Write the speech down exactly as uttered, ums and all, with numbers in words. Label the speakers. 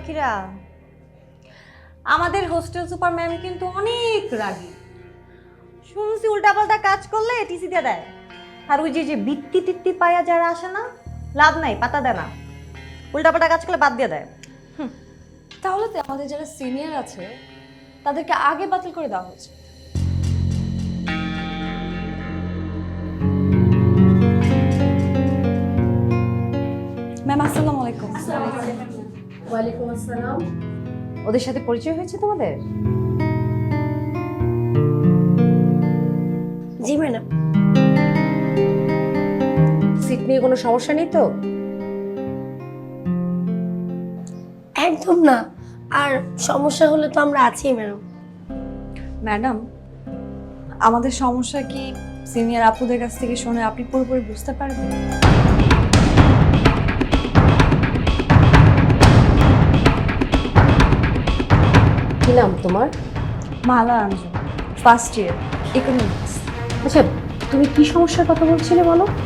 Speaker 1: পাখিরা, আমাদের hostel super ma'am কিন্তু অনেক রাগী। শুনছি উল্টাপাল্টা কাজ করলে টিসি দিয়ে দেয়। আর ওই যে যে বৃত্তি টিত্তি পায়া যারা আসে না, লাভ নাই, পাতা দেয় না, উল্টাপাল্টা কাজ করলে বাদ দিয়ে দেয়।
Speaker 2: তাহলে তো আমাদের যারা সিনিয়র আছে তাদেরকে আগে বাতিল করে দেওয়া হচ্ছে। ম্যাম আসসালামু আলাইকুম।
Speaker 3: ওয়ালাইকুম আসসালাম।
Speaker 1: ওদের সাথে পরিচয় হয়েছে তোমাদের?
Speaker 3: জি ম্যাডাম। সিট নিয়ে কোনো সমস্যা নেই তো? একদম না, আর সমস্যা হলে তো আমরা আছি ম্যাডাম।
Speaker 2: ম্যাডাম, আমাদের সমস্যা কি সিনিয়র আপুদের কাছ থেকে শুনে আপনি পুরোপুরি বুঝতে পারবেন?
Speaker 3: কি নাম তোমার?
Speaker 2: Mala Anjum, first year economics.
Speaker 3: আচ্ছা, তুমি কি সমস্যার কথা বলছিলে বলো?